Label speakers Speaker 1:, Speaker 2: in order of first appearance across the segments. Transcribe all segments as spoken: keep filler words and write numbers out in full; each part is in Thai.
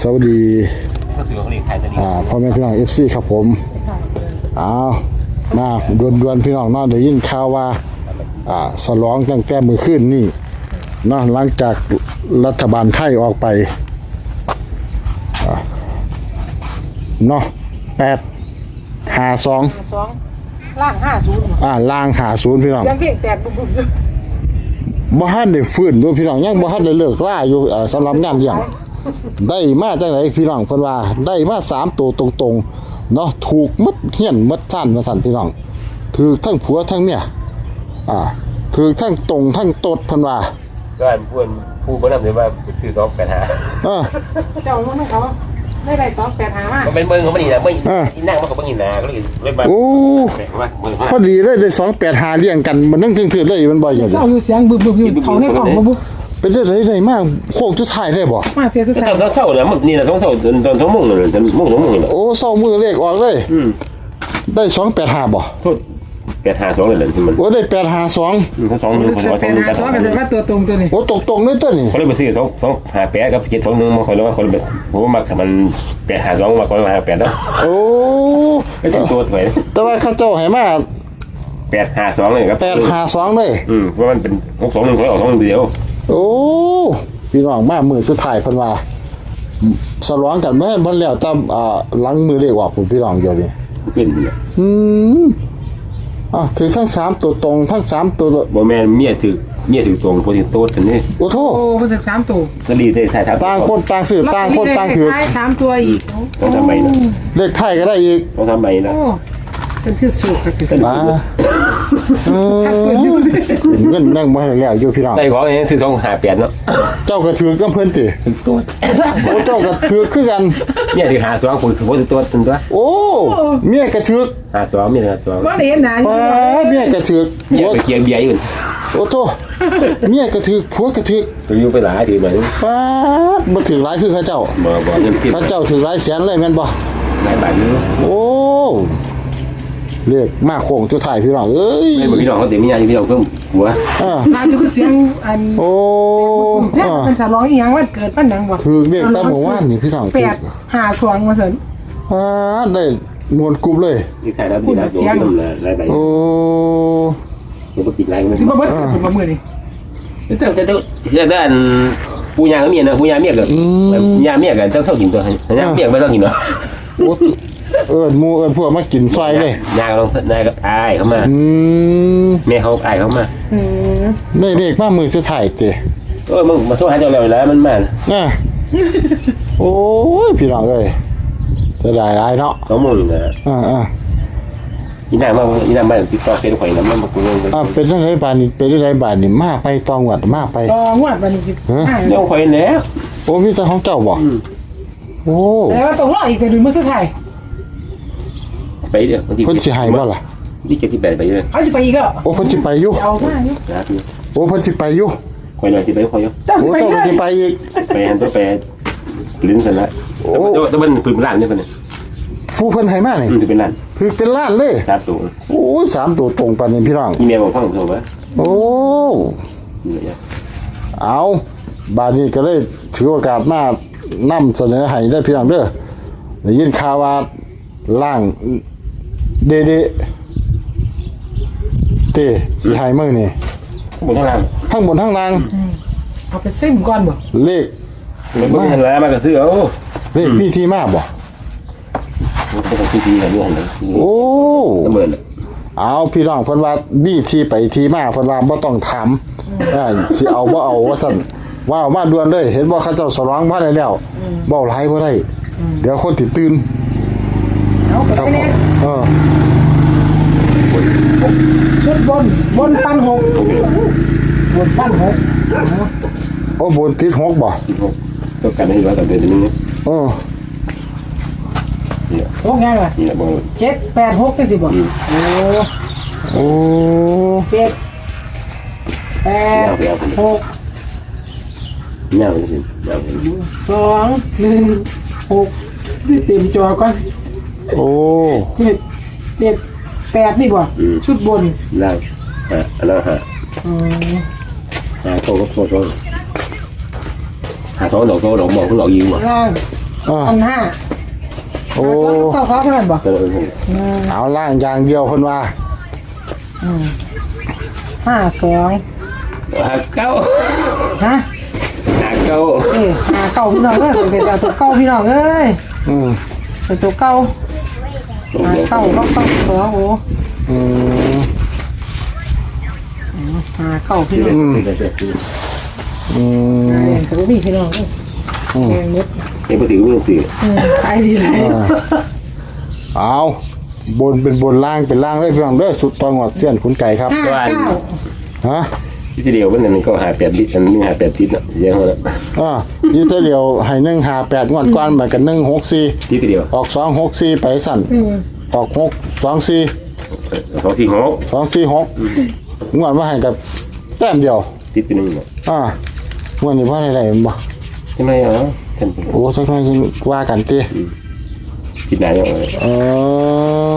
Speaker 1: สวัสดีอ่าพ่อแม่พี่น้องเอฟซีครับผมอ้าวมาดวนดวนพี่น้องเนาะได้ยินข่าวว่าอ่าสลองตั้งแต่มื้อคืนนี่เนาะหลังจากรัฐบาลไทยออกไปเนาะแปดห้าสอง
Speaker 2: สองล่างห้าศูนย์
Speaker 1: อ่าล่างหาศูนย์พี่น้อง
Speaker 2: เสียงเพลงแตกบุบๆอยู่
Speaker 1: บ่ทันได้ฟื้นด้วยพี่น้องยังบ่ทันได้เลิกล่าอยู่อ่าสำหรับงานเลี้ยงได้มาจังได๋พี่น้องเพิ่นว่าได้มาสามตัวตรงๆเนาะถูกหมดเฮียนหมดซ่านว่าซั่นพี่น้องถูกทั้งผัวทั้งเมียอ่าถูกทั้งตรงทั้งตดเพิ่นว่า
Speaker 3: ก็อันพูดผู้บ่นำเลยว่าซื้อสองแปดห้า
Speaker 1: เออ
Speaker 2: เจ้ามันเขาได้ได้สองแปดห้ามา
Speaker 3: มันเป็นเบิ่งเขาบ่นี่น่ะไม่อีนั่งมันก็บ่นี่น่ะก็เลยเลยมา
Speaker 1: โอ้พอดีเลยได้สองแปดห้าเลี้ยงกันมันนึงถึงๆเลยมันบ่อย่างนี้
Speaker 2: เศร้าอยู่เสียงบึบๆอยู่เขาในกล่องบ่บุ
Speaker 1: เป็นได้ได้มากโคกสุดท้ายได้บ่
Speaker 2: มาเสียสุดท้าย
Speaker 3: ตอนเช้าน่ะมันนี่น่ะสองเช้าตอนตอน2:00นน่ะตอนโมงสองโมงน่ะ
Speaker 1: โอ้เช้ามื้อเลขออกเลย
Speaker 3: อืม
Speaker 1: ได้สองแปดห้าบ่
Speaker 3: โทษแปดห้าสองเลยมัน
Speaker 1: โอ้ได้แปดห้าสอง
Speaker 3: อืมเขาสองนึงเขาว่า
Speaker 2: แปดห้าสองก็แสดงว่าตัวตรงตัวนี้
Speaker 1: โอ้ตรงๆเลยตัวนี้
Speaker 3: เขาเลยไปซื้อสอง สองห้าแปดกับเจ็ดสองหนึ่งมาเขาเลยว่าเขาเลยผมว่ามักมันแปดห้าสองมาเขาเลยห้าแปดเนาะ
Speaker 1: โอ้
Speaker 3: ไม่ถึงตัวถอย
Speaker 1: แต่ว่าเขาเจ้าให้มา
Speaker 3: แปดห้าสองเลยครับ
Speaker 1: แปดห้าสองเลย
Speaker 3: อืมเพราะมันเป็นหกสองหนึ่งเขาออกสองเดียว
Speaker 1: โอ้พี่น้องมามื้อสุดท้ายเพิ่นว่าสลองกันแม่นบ่แล้วตามอ่าหลังมือเลขออกผมพี่น้องเดี๋ยวนี้
Speaker 3: เป็น
Speaker 1: อืมอ่ะถือทั้งสามตัวตรงทั้งสามตัว
Speaker 3: บ่แม่นเมียถือเมียถือตรงโพสิโต้กันนี่
Speaker 1: โอ้โธ่
Speaker 2: โอ้เพิ่นถึงสามตัว
Speaker 3: สลีได้ถ่ายทับ
Speaker 1: ต่างคนต่างซื้อต่างคนต่างถือ
Speaker 2: สามตัวอีก
Speaker 3: ต้องทำใหม่นะ
Speaker 1: เลขไทยก็ได้อีก
Speaker 3: ต้องทำใหม่นะ
Speaker 2: โอ้เป็นที่สุดก็คือ
Speaker 1: มาเออเงินนั่งบ่ได้แล้วอยู่พี่น้อง
Speaker 3: ได้ของอย่างนี้คือสองห้าแปดเนาะ
Speaker 1: เจ้าก็ถือกับเพิ่นติ
Speaker 3: ตัว
Speaker 1: โอ้เจ้าก็ถือคือกัน
Speaker 3: เมียถือหาสองคนถือโพสิโต้ตึงตัว
Speaker 1: โอ้เมียก็ถือ
Speaker 3: หาสองเมียหาสอง
Speaker 2: บ่ได้เห็นหน้าอยู่
Speaker 1: เมียก็ถือ
Speaker 3: เมียไปเคียงเบียร์อยู่
Speaker 1: โอ้โธ่เมียก็ถือผัวก็ถือ
Speaker 3: ตัวอยู่ไปหลายถือเหมือน
Speaker 1: ป๊าดบ่ถือหลายคือเขาเจ้า
Speaker 3: บ่บ่เงินคิด
Speaker 1: เขาเจ้าถือหลายแสนเลยแม่นบ่
Speaker 3: หลายบาทอยู่
Speaker 1: โอ้เรียกมาโค้งสุดท้ายพี่น้องเอ้ย
Speaker 3: แม่นบ่พี่น้องเขาสิมีญาติพี่น้องเพิ่มหัว
Speaker 1: อ่า
Speaker 2: มาอยู่คือเสียงอัน
Speaker 1: โอ้
Speaker 2: แท้เป็นสลองอีหยังวันเกิดมันหยังบ่
Speaker 1: ถือเลขตามเมื่อวานนี่พี่น้อง
Speaker 2: แปดห้าสองว่าซั่น
Speaker 1: อ่าได้มวนกลุ่มเลย
Speaker 3: นี่ถ่ายแล้วนี่นะโดนหลายใบ
Speaker 1: โอ้
Speaker 3: บ่ติดหลายมัน
Speaker 2: สิบ่เบิดผมว่ามื้อนี้
Speaker 3: แต่แต่แต่แต่อันผู้ยาก็มีนะผู้ยาเมียก็ยาเมียก็ต้องเท่ากินตัวยาเมียไม่ต้องกินเนาะ
Speaker 1: โอ้เอิ้นหมู่เอิ้นพวกมากินซอยเลย
Speaker 3: ยาก็ต้องยาก็อายเข้ามา
Speaker 1: อืม
Speaker 3: แม่เขาอายเข้ามา
Speaker 2: อืม
Speaker 1: ได้เลขมามื้อสุดท้ายติ
Speaker 3: เออมึงมาโทรหาเจ้าแล้วแล้วมันมา
Speaker 1: น่ะโอ้ยพี่น้องเอ้ยจะได้หลายเนาะ
Speaker 3: สองหมื่นนะ
Speaker 1: อ่า
Speaker 3: ๆอีนางมาอีนางมาติดต่อเฟซข่อยนำมันบ่กูเงิน
Speaker 1: อ่าเป็นจังได๋บาดนี้เป็นจังได๋บาดนี้มาไปตองวัดมาไป
Speaker 2: ตองวดบัดนี้สิ
Speaker 3: เดี๋ยวข่อยแหละ
Speaker 1: โอ้มีแต่ของเจ้าบ่โอ้
Speaker 2: แต่ว่าต้องรออีกแต่ดูมื้อสุดท้าย
Speaker 3: ไปเด้อ
Speaker 1: เพิ่นสิให้บ่ล่ะ
Speaker 3: นี่เจ็ดสิบแปดไปเด้อ
Speaker 2: เขาสิไปอีกอ่ะ
Speaker 1: โอ้เพิ่นสิไปอยู่
Speaker 2: เอามาอยู่
Speaker 1: โอ้เพิ่นสิไปอยู่
Speaker 3: ข่อยน่ะสิไปข่อยอยู่
Speaker 2: เจ้าสิไปเลย
Speaker 1: สิไปอีก
Speaker 3: ไปหันตัวไปลิ้นซั่นละโอ้แต่มันปืนล้านนี่เพิ่นน่ะ
Speaker 1: ผู้เพิ่นให้มานี่
Speaker 3: ถือเป็นล้าน
Speaker 1: ถือเป็นล้านเลย
Speaker 3: ครับตัว
Speaker 1: โอ้ยสามตัวตรงปานนี้พี่น้อง
Speaker 3: อีเมลบอกฟังเถอะว่า
Speaker 1: โอ้เอาบาดนี้ก็เลยถือโอกาสมานำเสนอให้ได้พี่น้องเด้อได้ยินข่าวว่าล่างเดเดเตสิให้มื้อนี่
Speaker 3: บนข้างล่าง
Speaker 1: ทั้งบนทั้งล่าง
Speaker 2: เอาไปซิมก่อนบ่
Speaker 1: เลข
Speaker 3: มันบ่ทันแล้วมันก็ซื้อเอา
Speaker 1: เลขพี่ที่มาบ่
Speaker 3: มันก็ที่ๆกันอยู่หั่นน่ะ
Speaker 1: โอ้
Speaker 3: เบิ่น
Speaker 1: เอาพี่น้องเพิ่นว่าบี้ที่ไปที่มาเพิ่นว่าบ่ต้องถามเออสิเอาบ่เอาว่าซั่นว่าเอามาด่วนเลยเห็นบ่เขาเจ้าสร้องมาได้แล้วเว้าหลายบ่ได้เดี๋ยวคนสิตื่น
Speaker 2: เอาไปแน่
Speaker 1: เออ
Speaker 2: ชุดบนบนฟันหกบนฟันหก
Speaker 1: โอ้บนติดหกบ่
Speaker 3: ติดหกต้องการให้ว่าต่อเดือนนึงเนี่ย
Speaker 1: เออ
Speaker 2: หกยังไงเจ็ดแปดหกจังสิบ่โอ้
Speaker 1: โอ้
Speaker 2: เจ็ดแปดหก
Speaker 3: เงาเลยสิเงา
Speaker 2: สองหนึ่งหกนี่เต็มจอก่อน
Speaker 1: โอ้
Speaker 2: เจ็ดเจ็ดแปดนี่บ่ชุดบน
Speaker 3: ล่างฮะอันนั้นฮะ
Speaker 2: อืม
Speaker 3: หาโซ่ก็โซ่โซ่หาโซ่ดอกโซ่ดอกหมอกก็ดอกยิงบ่
Speaker 2: ล่าง
Speaker 1: อ่า
Speaker 2: พันห้า
Speaker 1: โอ้
Speaker 2: เก้าเขาเท่านั้นบ่
Speaker 3: เออ
Speaker 1: เอาล่างอย่างเดียวเพิ่นว่า
Speaker 2: ห้าสอง
Speaker 3: หาเก้า
Speaker 2: ฮะ
Speaker 3: หาเก้า
Speaker 2: เอ้ยหาเก้าพี่น้องเอ้ยเป็นเอาตัวเก้าพี่น้องเอ้ย
Speaker 1: อืม
Speaker 2: เป็นตัวเก้าหาเก้าก็เก้าสองโอ้
Speaker 1: อืม
Speaker 2: หาเก้าพี่น้อง
Speaker 1: อืม
Speaker 2: เอ้ยเขาพี่พี่น้องเอ้ยแกงเม็ด
Speaker 3: เดี๋ยวไปถือมือถือ
Speaker 2: อืมขายดีเลย
Speaker 1: เอาบนเป็นบนล่างเป็นล่างเลยพี่น้องเด้อสุดตอนหอดเสี้ยนขุนไก่ครับ
Speaker 2: ห้าเก้า
Speaker 1: ฮะ
Speaker 3: ที่เดียวมันนั่นก็หาแปดลิตรอันนึงหาแปดลิตรนะเยอะแล้ว
Speaker 1: อ่ายี่เสเดียวให้หนึ่งหาแปดงวดก้อนแบบกันหนึ่งหกสี่
Speaker 3: ที่เดียว
Speaker 1: ออกสองหกสี่ไปสั่น
Speaker 2: อืม
Speaker 1: ออกหกสองสี่
Speaker 3: สองสี่หก
Speaker 1: สองสี่หกงวดมาให้กับแต้มเดียว
Speaker 3: ติดไปหนึ่ง
Speaker 1: อ่างวดนี้พ่อได้ไรบ่
Speaker 3: ใช่ไหมอ๋อท่าน
Speaker 1: โอ้สักหน่อยจึงว่ากันตี
Speaker 3: ติดไหนเนี่ย
Speaker 1: เออ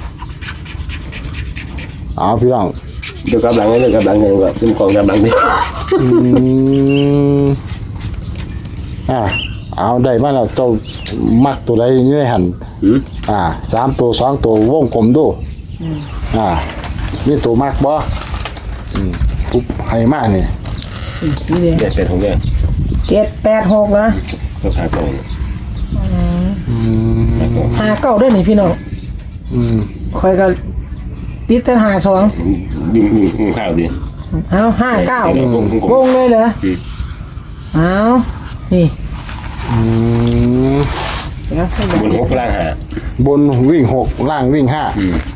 Speaker 1: เอาพี่น้อง
Speaker 3: เดี๋ยวกับหลังเดี๋ยวกับหลังเดี๋ยวกับขึ้นกองกับหลังนี่
Speaker 1: อืมอ่าเอาได้มาแล้วเจ้ามักตัวใดอยี่หัน
Speaker 3: อืม
Speaker 1: อ่าสามตัวสองตัววงกลมดูอ่านี่ตัวมักบ่อืมปุ๊บให้มากนี่
Speaker 2: นี่เลย
Speaker 3: เด็ดเป็นของแก
Speaker 2: เจ็ดแปดหกนะ
Speaker 3: ก็หากอง
Speaker 1: อืม
Speaker 3: หากอง
Speaker 2: หาเก้าด้วยนี่พี่น้อง
Speaker 1: อืม
Speaker 2: คอยก็ติดแต่หาสอง
Speaker 3: ยิงยิงข้าวดิ
Speaker 2: เอาห้าเก้า
Speaker 3: เดี๋ยววง
Speaker 2: วงเลยเหรอเอานี่
Speaker 1: อืม
Speaker 2: เดี๋ยวให้ดู
Speaker 3: บนหกล่างหา
Speaker 1: บนวิ่งหกล่างวิ่งห้า
Speaker 3: อืม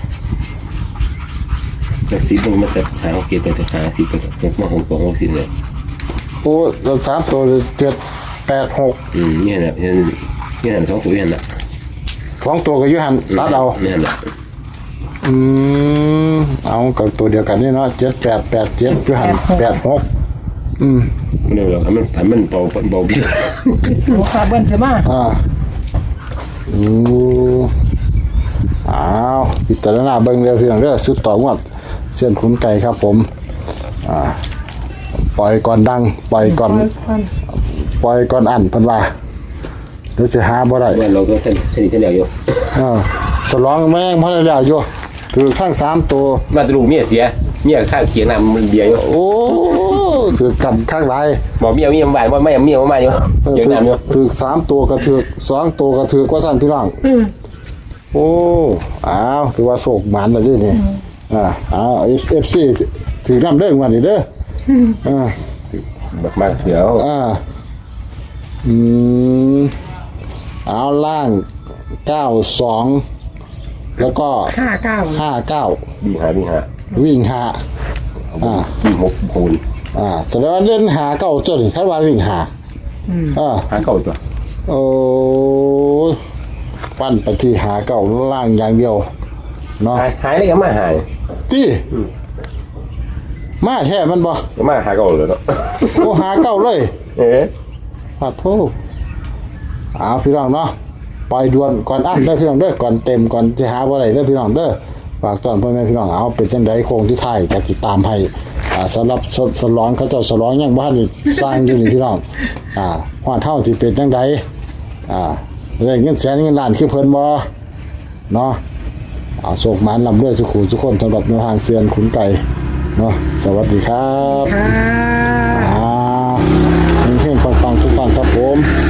Speaker 3: แล้วสีมันมาจะหาเกียรติจะหาสีเป็นเป็นมาหกกองหกสีเลย
Speaker 1: โอ้เราสามตัวเจ็ดแปดหก
Speaker 3: อืมนี่แหละนี่นี่แหละสองตัวนี่แหละ
Speaker 1: สองตัวก็อยุหันตัดเอา
Speaker 3: นี่แหละ
Speaker 1: อืมเอากับตัวเดียวกันนี่เนาะเจ็ดแปดแปดเจ็ดอยุหันแปดหกอืม
Speaker 3: ไม่ได้หรอกมันมันเบาเบาพี่
Speaker 2: หัวขาเบิ้ลใช่ไหม
Speaker 1: อ่าอืมอ้าวพิจารณาเบิ่งเร็วเพียงเด้อชุดต่องวดเส้นขุนไก่ครับผมอ่าปล่อยก่อนดังปล่อยก่อนปล่อยก่อนอันเพิ่นว่าเดี๋ยวสิหาบ่ได้
Speaker 3: ว่าเราก็สนิทสนิทกันแล้วอยู่
Speaker 1: อ่าสลองแม่งพอได้แล้วอยู่ถือข้างสามตัว
Speaker 3: มาตรูเมียเสียเมียข้างเคียงน้ำมันเบียอยู่
Speaker 1: โอ้ถือกันข้างไร
Speaker 3: บอกเมียเมียบ้านว่าไม่เมียมาอยู่
Speaker 1: เออ
Speaker 3: เคียง
Speaker 1: ถือ
Speaker 3: น้ำอยู่
Speaker 1: ถือสามตัวก็ถือสองตัวก็ถือกว่าสั่นพี่น้องโอ้อ้าวถือว่าโศกหมันแล้วดินี่อ่าอ้าวเอฟซีถือน้ำเด้งวันนี้เด้ออ่า
Speaker 3: แบบมากเสียว
Speaker 1: อ่าอืมเอาล่างเก้าสองแล้วก็
Speaker 2: ห้าเก้า
Speaker 1: ห้าเก้า
Speaker 3: วิ่งหาวิ่งหา
Speaker 1: วิ่งหาอ่า
Speaker 3: วิ่งหกโหน
Speaker 1: อ่าแต่ว่าเล่นหาเก้าจนคาดว่าวิ่งหาอ่า
Speaker 3: หาเก่าตัว
Speaker 1: โอ้ปั้นไปที่หาเก้าล่างอย่างเดียวเนาะ
Speaker 3: หายหายได้ก็มาหาย
Speaker 1: ที่มาแท้มันบ่
Speaker 3: ก็มาหาเก่าเลยเนาะ
Speaker 1: โอ้หาเก้าเลย
Speaker 3: เอ๊ะ
Speaker 1: ปัดโทเอาพี่น้องเนาะปล่อยด่วนก่อนอันเด้อพี่น้องเด้อก่อนเต็มก่อนจะหาบ่ได้เด้อพี่น้องเด้อฝากตอนพ่อแม่พี่น้องเอาเป็นจังไดโคงที่ไทายจะติดตามให้อ่าสำหรับสสลองเขาเจ้าสลองยังบ่ทันได้สร้างอยู่นี่พี่น้องอ่าฮอดเฮาสิเป็นจังไดอ่าได้เงินแสนเงินล้านคือเพิ่นบ่เนาะเอาโชคหมานลำด้วยสุขุทุกคนสำหรับแนวทางเซียนขุนไก่เนาะสวัสดีครับ
Speaker 2: ค่ะ
Speaker 1: อ่าเฮงๆปังๆทุกท่านครับผม